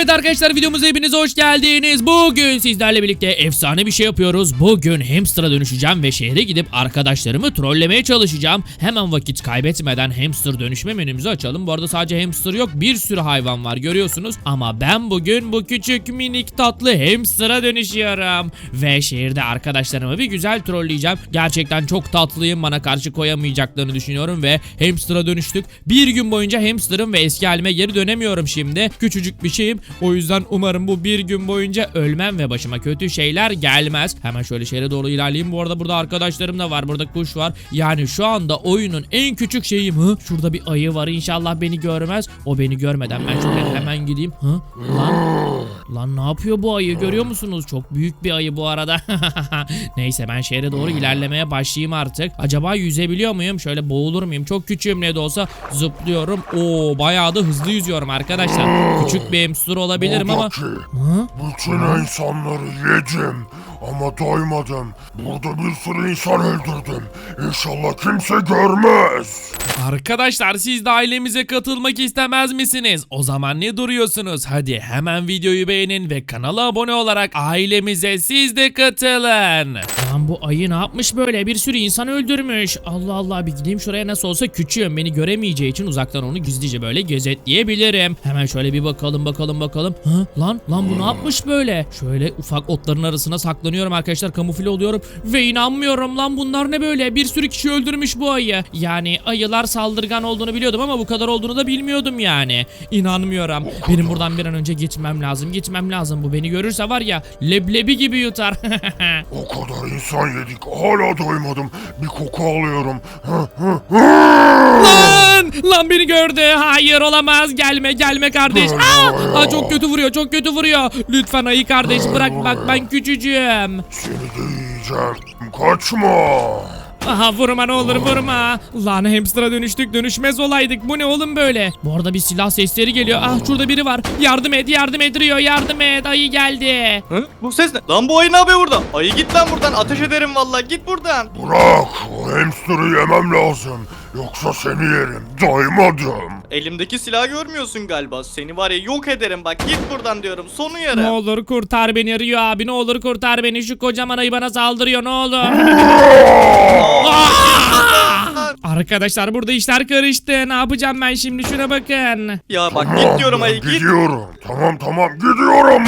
Evet arkadaşlar, videomuza hepiniz hoş geldiniz. Bugün sizlerle birlikte efsane bir şey yapıyoruz. Bugün hamster'a dönüşeceğim ve şehre gidip arkadaşlarımı trollemeye çalışacağım. Hemen vakit kaybetmeden hamster dönüşme menümüzü açalım. Bu arada sadece hamster yok, bir sürü hayvan var görüyorsunuz. Ama ben bugün bu küçük minik tatlı hamster'a dönüşüyorum. Ve şehirde arkadaşlarımı bir güzel trolleyeceğim. Gerçekten çok tatlıyım, bana karşı koyamayacaklarını düşünüyorum ve hamster'a dönüştük. Bir gün boyunca hamster'ım ve eski halime geri dönemiyorum şimdi. Küçücük bir şeyim. O yüzden umarım bu bir gün boyunca ölmem ve başıma kötü şeyler gelmez. Hemen şöyle şehre doğru ilerleyeyim. Bu arada burada arkadaşlarım da var. Burada kuş var. Yani şu anda oyunun en küçük şeyim. Şurada bir ayı var. İnşallah beni görmez. O beni görmeden ben şöyle hemen gideyim. Lan ne yapıyor bu ayı, görüyor musunuz? Çok büyük bir ayı bu arada. Neyse, ben şehre doğru ilerlemeye başlayayım artık. Acaba yüzebiliyor muyum? Şöyle boğulur muyum? Çok küçüğüm, ne de olsa zıplıyorum. Oo, bayağı da hızlı yüzüyorum arkadaşlar. Küçük bir hamster olabilirim ama... Bütün insanları yedim ama doymadım. Burada bir sürü insan öldürdüm. İnşallah kimse görmez. Arkadaşlar, siz de ailemize katılmak istemez misiniz? O zaman ne duruyorsunuz? Hadi hemen videoyu beğenin ve kanala abone olarak ailemize siz de katılın. Lan bu ayı ne yapmış böyle? Bir sürü insan öldürmüş. Allah Allah, bir gideyim şuraya, nasıl olsa küçüğüm. Beni göremeyeceği için uzaktan onu gizlice böyle gözetleyebilirim. Hemen şöyle bir bakalım. Lan bu ne yapmış böyle? Şöyle ufak otların arasına saklanıyorum arkadaşlar. Kamufle oluyorum ve inanmıyorum lan, bunlar ne böyle? Bir sürü kişi öldürmüş bu ayı. Yani ayılar saldırgan olduğunu biliyordum ama bu kadar olduğunu da bilmiyordum yani. İnanmıyorum. Benim buradan bir an önce gitmem lazım. Bu beni görürse var ya, leblebi gibi yutar. O kadar insan yedik, hala doymadım. Bir koku alıyorum. Lan beni gördü. Hayır, olamaz. Gelme kardeş. Çok kötü vuruyor. Lütfen ayı kardeş, bırak, bak ben küçücüğüm. Seni de yiyeceğim. Kaçma. Aha, vurma ne olur, vurma. Lan hamster'a dönüşmez olaydık. Bu ne oğlum böyle? Bu arada bir silah sesleri geliyor. Şurada biri var. Yardım et Rio, yardım et. Ayı geldi. Bu ses ne? Lan bu ayı ne yapıyor burada? Ayı git lan buradan, ateş ederim vallahi, git buradan. Bırak, o hamster'ı yemem lazım. Yoksa seni yerim, doymadım. Elimdeki silahı görmüyorsun galiba. Seni var ya yok ederim, bak git buradan diyorum, sonu Ne yarım. olur kurtar beni Rio abi, ne olur kurtar beni. Şu kocaman ayı bana saldırıyor, ne olur. Arkadaşlar, burada işler karıştı. Ne yapacağım ben şimdi, şuna bakın. Ya bak git diyorum ayı, git. Gidiyorum. Tamam gidiyorum.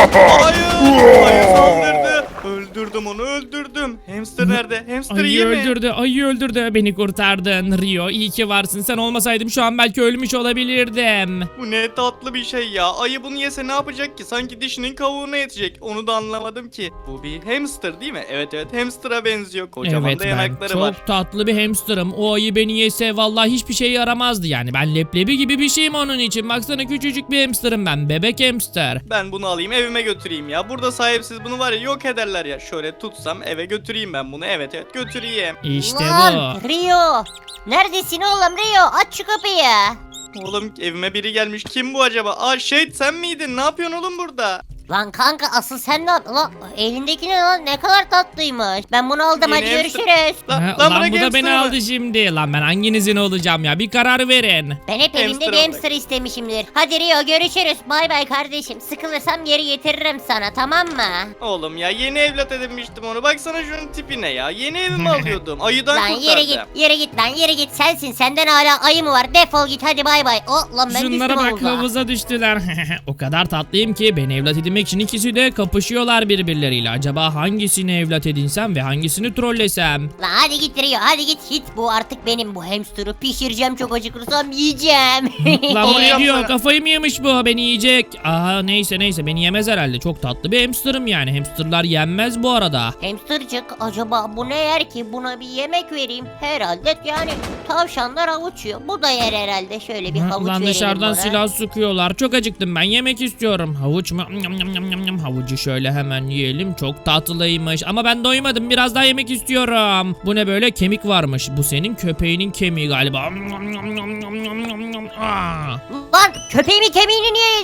Ayı saldırdı. Öldürdüm onu, öldürdüm. Hamster nerede? Hamster iyi mi? Ayı öldürdü. Beni kurtardın Rio. İyi ki varsın. Sen olmasaydım şu an belki ölmüş olabilirdim. Bu ne tatlı bir şey ya. Ayı bunu yese ne yapacak ki? Sanki dişinin kavuğuna yetecek. Onu da anlamadım ki. Bu bir hamster değil mi? Evet, hamster'a benziyor. Kocaman Evet, da ben yanakları çok var. tatlı bir hamsterım. O ayı beni yese vallahi hiçbir şey yaramazdı yani. Ben leblebi gibi bir şeyim onun için. Baksana, küçücük bir hamsterım ben. Bebek hamster. Ben bunu alayım evime götüreyim ya. Burada sahipsiz bunu var ya yok ederler ya. Şöyle tutsam eve götüreyim ben bunu. Evet götüreyim. İşte Lan bu. Rio, neredesin oğlum Rio? Aç şu kapıyı. Oğlum evime biri gelmiş. Kim bu acaba? Sen miydin? Ne yapıyorsun oğlum burada? Lan kanka, asıl sen ne yaptın? Lan elindeki ne lan, ne kadar tatlıymış. Ben bunu aldım, hadi Yeni hamster. görüşürüz. Lan bırak bu da beni hamster'ı. aldı şimdi. Lan ben hanginizin olacağım ya? Bir karar verin. Ben hep evimde Hamster bir aldık. hamster istemişimdir. Hadi Rio, görüşürüz. Bay bay kardeşim. Sıkılırsam geri getiririm sana, tamam mı? Oğlum ya yeni evlat edinmiştim onu. Baksana şunun tipine ya. Yeni evimi alıyordum. Ayıdan Lan kurtardım. yere git lan, yere git. Sensin, senden hala ayı mı var? Defol git, hadi bay bay. Lan ben Şunlara düştüm bak, havuza. havuza düştüler. O kadar tatlıyım ki beni evlat edinmek için ikisi de kapışıyorlar birbirleriyle. Acaba hangisini evlat edinsem ve hangisini trollesem? Lan hadi git Rio, hadi git. Bu artık benim, bu hamster'ı pişireceğim, çok acıkırsam yiyeceğim. Lan bu ne Olacağım diyor? sana. Kafayı mı yemiş bu? Beni yiyecek. Neyse beni yemez herhalde. Çok tatlı bir hamsterım yani. Hamsterlar yenmez bu arada. Hamstercık, acaba bu ne yer ki? Buna bir yemek vereyim. Herhalde yani tavşanlar havuç yiyor. Bu da yer herhalde. Şöyle bir havuç Lan verelim dışarıdan buna. silah sıkıyorlar. Çok acıktım ben. Yemek istiyorum. Havuç mu? Havucu şöyle hemen yiyelim. Çok tatlıymış. Ama ben doymadım. Biraz daha yemek istiyorum. Bu ne böyle? Kemik varmış. Bu senin köpeğinin kemiği galiba. Lan köpeğimin kemiğini niye yedin geri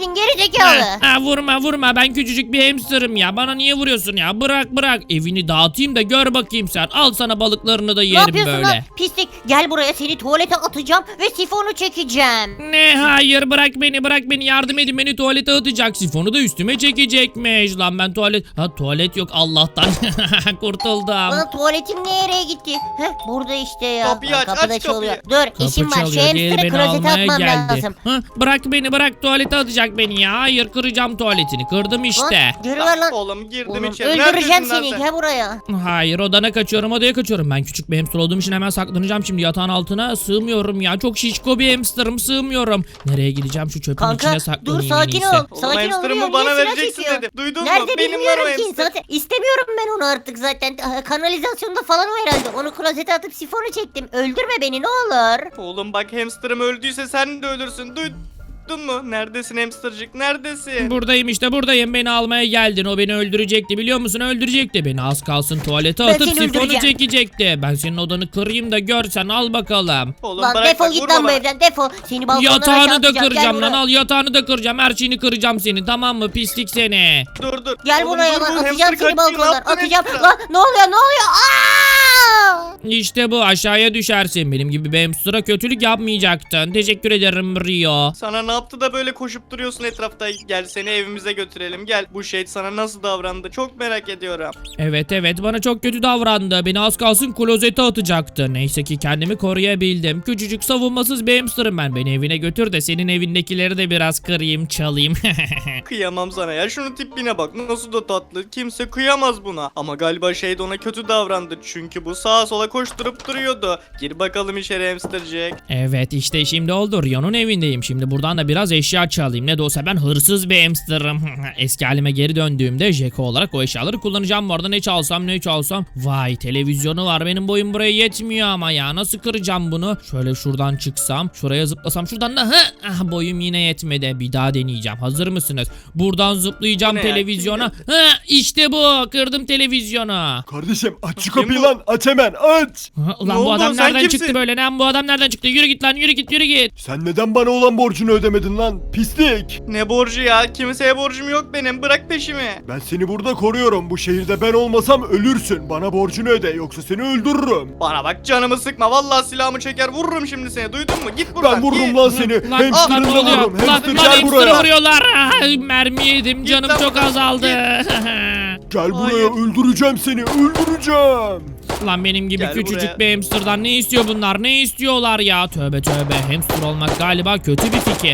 gerizekalı. Vurma ben küçücük bir hamsterım ya. Bana niye vuruyorsun ya? Bırak. Evini dağıtayım da gör bakayım sen. Al sana balıklarını da Ne yerim yapıyorsun böyle. lan pislik? Gel buraya, seni tuvalete atacağım ve sifonu çekeceğim. Ne hayır bırak beni yardım edin, beni tuvalete atacak, sifonu da üstüme çekecekmiş. Lan ben tuvalet yok Allah'tan. Kurtuldum. Lan tuvaletim nereye gitti? Heh, burada işte ya. Kapıyı Lan aç, kapı da aç çalıyor. kapıyı. Dur Kapı işim var, şu çalıyor, diğeri hamsterı beni klozete almaya atmam geldi. lazım. Bırak tuvalete atacak beni ya. Hayır kıracağım tuvaletini, kırdım işte. Lan geri ver lan. Oğlum girdim Oğlum, içeri. öldüreceğim Neredesin lan seni, sen? gel buraya. Hayır odaya kaçıyorum. Ben küçük bir hamster olduğum için hemen saklanacağım şimdi yatağın altına. Sığmıyorum ya, çok şişko bir hamsterım, sığmıyorum. Nereye gideceğim, şu çöpün Kanka içine saklanayım dur, en sakin iyisi. ol. Oğlum Sakin ol. hamsterımı Rio, bana niye silah vereceksin çekiyor? dedim. Duydun mu? Nerede Benim bilmiyorum var o ki. hamster. Zaten istemiyorum ben onu artık zaten. Kanalizasyonda falan o herhalde. Onu klozete atıp sifonu çektim. Öldürme beni ne olur. Oğlum bak hamsterım öldüyse sen de ölürsün. Duydun mu? Neredesin hamstercık? Neredesin? Buradayım işte, beni almaya geldin. O beni öldürecekti, biliyor musun? Öldürecekti beni, az kalsın tuvalete Ben atıp seni sifonu öldüreceğim. çekecekti. Ben senin odanı kırayım da görsen, al bakalım. Oğlum Lan bırak defol bak, git vurma lan bu bana. evden, defol. Seni balkondan aşağı Yatağını da atacağım. Gel kıracağım lan, buraya. al yatağını da kıracağım, her şeyini kıracağım seni, tamam mı pislik seni. Dur. Gel Oğlum, buraya dur, lan, bu atacağım hamster seni kaçıyor, ne balkondan. yaptın Atacağım. hamster'a? Lan ne oluyor? Aa! İşte bu, aşağıya düşersin. Benim gibi bir hamster'a kötülük yapmayacaktın. Teşekkür ederim Rio. Sana ne yaptı da böyle koşup duruyorsun etrafta? Gel seni evimize götürelim. Gel, bu şey sana nasıl davrandı? Çok merak ediyorum. Evet bana çok kötü davrandı. Beni az kalsın klozete atacaktı. Neyse ki kendimi koruyabildim. Küçücük savunmasız bir hamsterım ben. Beni evine götür de senin evindekileri de biraz kırayım, çalayım. Kıyamam sana ya. Şunun tipine bak. Nasıl da tatlı. Kimse kıyamaz buna. Ama galiba şey de ona kötü davrandı. Çünkü bu sağa sola koşturup duruyordu. Gir bakalım içeri hamstercik. Evet işte şimdi oldu. Rio'nun evindeyim. Şimdi buradan da biraz eşya çalayım. Ne de olsa ben hırsız bir hamsterım. Eski halime geri döndüğümde Jeko olarak o eşyaları kullanacağım. Bu arada ne çalsam. Vay, televizyonu var. Benim boyum buraya yetmiyor ama ya. Nasıl kıracağım bunu? Şöyle şuradan çıksam. Şuraya zıplasam. Şuradan da boyum yine yetmedi. Bir daha deneyeceğim. Hazır mısınız? Buradan zıplayacağım Bu ne ya? televizyona. İşte bu. Kırdım televizyonu. Kardeşim aç şu Kim kapıyı bu? lan, aç hemen aç. Ulan Ne bu oldu? adam Sen nereden kimsin? çıktı böyle? Lan bu adam nereden çıktı? Yürü git lan, yürü git. Sen neden bana olan borcunu ödemedin lan pislik? Ne borcu ya? Kimseye borcum yok benim. Bırak peşimi. Ben seni burada koruyorum. Bu şehirde ben olmasam ölürsün. Bana borcunu öde yoksa seni öldürürüm. Bana bak, canımı sıkma. Vallahi silahımı çeker vururum şimdi seni. Duydun mu? Git buradan. Ben vururum git. lan seni. Lan Hamster'ını ne da oluyor? vururum. Lan Hamster gel hamster'ı buraya. vuruyorlar. Mermi yedim, Git canım lan çok buradan, azaldı. Gel buraya, Hayır. öldüreceğim seni, öldüreceğim. Lan benim gibi Gel küçücük buraya. bir hamsterdan ne istiyor bunlar? Ne istiyorlar ya? Tövbe. Hamster olmak galiba kötü bir fikir.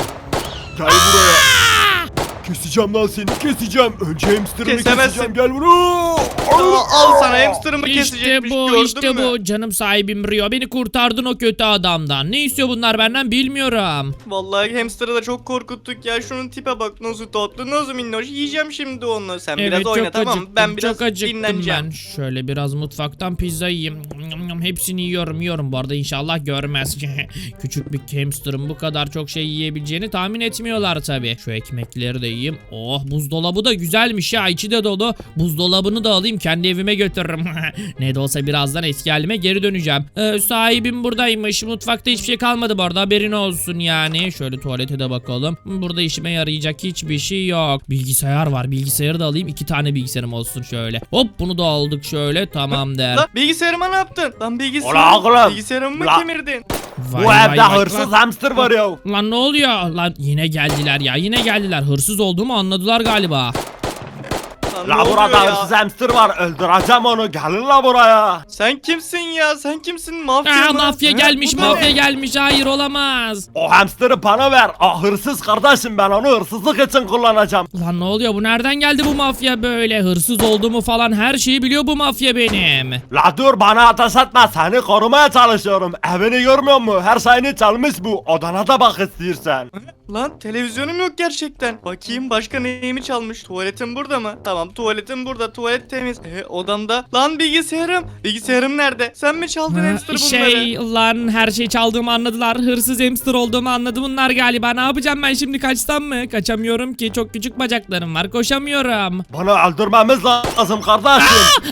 Gel buraya. Keseceğim lan seni, keseceğim. Önce hamsterını Kesemezsin. keseceğim, gel buraya. Al sana hamsterımı İşte kesecekmiş. bu, Gördün işte mü? bu. Canım sahibim Rio. Beni kurtardın o kötü adamdan. Ne istiyor bunlar benden bilmiyorum. Vallahi hamsterı da çok korkuttuk ya. Şunun tipe bak, nasıl tatlı, nasıl minnoş. Yiyeceğim şimdi onu. Sen biraz oyna, tamam mı? Ben biraz çok acıktım dinleneceğim. ben. Şöyle biraz mutfaktan pizza yiyeyim. Hepsini yiyorum. Bu arada inşallah görmez. Küçük bir hamsterın bu kadar çok şey yiyebileceğini tahmin etmiyorlar tabi. Şu ekmekleri de yiyeyim. Oh, buzdolabı da güzelmiş ya. İçi de dolu. Buzdolabını da alayım, kendi evime götürürüm. Ne de olsa birazdan eski halime geri döneceğim. Sahibim buradaymış. Mutfakta hiçbir şey kalmadı bu arada, haberin olsun yani. Şöyle tuvalete de bakalım. Burada işime yarayacak hiçbir şey yok. Bilgisayar var. Bilgisayarı da alayım. 2 tane bilgisayarım olsun şöyle. Hop, bunu da aldık şöyle. Tamamdır. Lan bilgisayarıma ne yaptın? Lan Ulan oğlum. bilgisayarımı mı Ulan. kemirdin? Vay, Bu vay, evde vay, hırsız vay. hamster var ya. Lan ne oluyor? Lan yine geldiler ya. Yine geldiler. Hırsız olduğumu anladılar galiba. Lan ne La oluyor burada ya? hırsız hamster var, öldüreceğim onu, gelin la buraya. Sen kimsin ya? Sen kimsin? Mafya mı? Mafya Ha? gelmiş, Bu ne? mafya gelmiş. Hayır, olamaz. O hamsteri bana ver. O hırsız kardeşim, ben onu hırsızlık için kullanacağım. Lan ne oluyor? Bu nereden geldi bu mafya böyle? Hırsız olduğumu falan her şeyi biliyor bu mafya benim. La dur, bana ateş etme, seni korumaya çalışıyorum. Evini görmüyor musun? Her şeyini çalmış bu. Odana da bak istiyorsan. Lan televizyonum yok gerçekten. Bakayım başka neyimi çalmış? Tuvaletim burada mı? Tamam, tuvaletim burada. Tuvalet temiz. Odamda. Lan bilgisayarım. Bilgisayarım nerede? Sen mi çaldın hamster bunları? Lan her şeyi çaldığımı anladılar. Hırsız hamster olduğumu anladı bunlar galiba. Ne yapacağım ben şimdi, kaçsam mı? Kaçamıyorum ki, çok küçük bacaklarım var, koşamıyorum. Bunu öldürmemiz lazım kardeşim.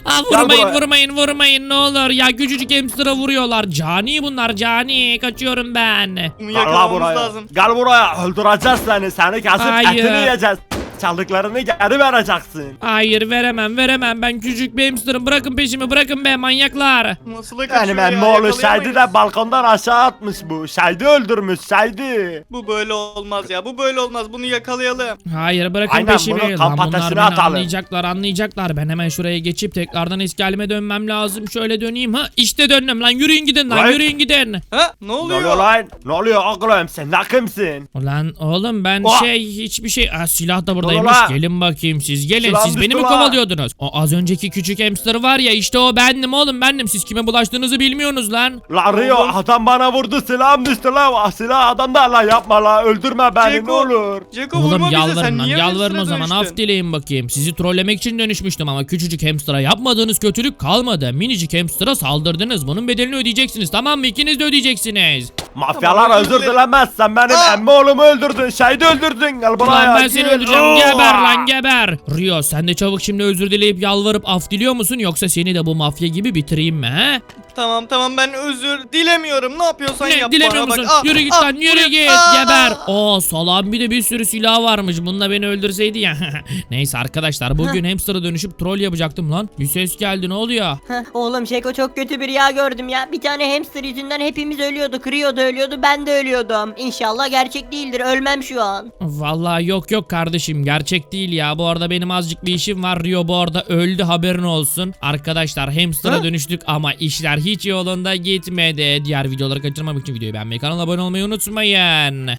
Vurmayın ne olur ya, küçücük hamster'a vuruyorlar. Cani bunlar, cani. Kaçıyorum ben. Bunu Gel la yakalamamız buraya. lazım. Gel buraya. Öldüreceğiz seni. Seni kesip Hayır. etini yiyeceğiz. Çaldıklarını geri vereceksin. Hayır veremem ben küçük bir hamsterım, bırakın peşimi, bırakın be manyaklar. Nasıl da kaçıyor Benim ya, emmi oğlu Şahidi yakalayamayız. de balkondan aşağı atmış bu. Şahidi öldürmüş Şahidi. Bu böyle olmaz ya, bu böyle olmaz, bunu yakalayalım. Hayır bırakın Aynen, peşimi. bunu Lan kamp bunlar ateşine beni atalım. anlayacaklar. Ben hemen şuraya geçip tekrardan eski halime dönmem lazım. Şöyle döneyim, ha işte döndüm lan, yürüyün gidin lan, Vay. yürüyün gidin. Ha ne Ne oluyor? oluyor lan? Ne oluyor oğlum? Sen ne kimsin? Ulan oğlum ben Oha. hiçbir şey. Silah da buradaymış. Ulan. Gelin bakayım siz, gelin. Silahım Siz beni düştü mi lan. kovalıyordunuz? O az önceki küçük hamster var ya, işte o bendim oğlum, bendim. Siz kime bulaştığınızı bilmiyorsunuz lan. La Rio Oğlum. adam bana vurdu, silahım düştü la. Silah adam da la, yapma la, öldürme beni ne Ceko. olur. Ceko Oğlum vurma bize, sen yalvarın lan, niye yalvarın o hamster'a zaman, dönüştün? af dileyin bakayım. Sizi trollemek için dönüşmüştüm ama küçücük hamster'a yapmadığınız kötülük kalmadı. Minicik hamster'a saldırdınız. Bunun bedelini ödeyeceksiniz, tamam mı? İkiniz de ödeyeceksiniz. Mafyalar Tamam, özür özür dilerim. dilemez, sen benim Aa. emmi oğlumu öldürdün, Şahidi öldürdün. Gel buraya. Ulan ben seni gel. öldüreceğim, Oo. geber lan geber. Rio sen de çabuk şimdi özür dileyip yalvarıp af diliyor musun, yoksa seni de bu mafya gibi bitireyim mi he? Tamam ben özür dilemiyorum, ne yapıyorsan Ne yap dilemiyor bana, musun? bak. Yürü git Ah, lan, yürü buraya- git, Aa. geber. Salam bir de bir sürü silah varmış. Bununla beni öldürseydi ya. Neyse arkadaşlar, bugün hamster'a dönüşüp troll yapacaktım lan. Bir ses geldi, ne oluyor? Heh, oğlum Şeko çok kötü bir rüya gördüm ya. Bir tane hamster yüzünden hepimiz ölüyorduk. Rio da ölüyordu, ben de ölüyordum. İnşallah gerçek değildir, ölmem şu an. Vallahi yok kardeşim, gerçek değil ya. Bu arada benim azıcık bir işim var. Rio bu arada öldü, haberin olsun. Arkadaşlar hamster'a dönüştük ama işler hiç yolunda gitmedi. Diğer videoları kaçırmamak için videoyu beğenmeyi, kanala abone olmayı unutmayın.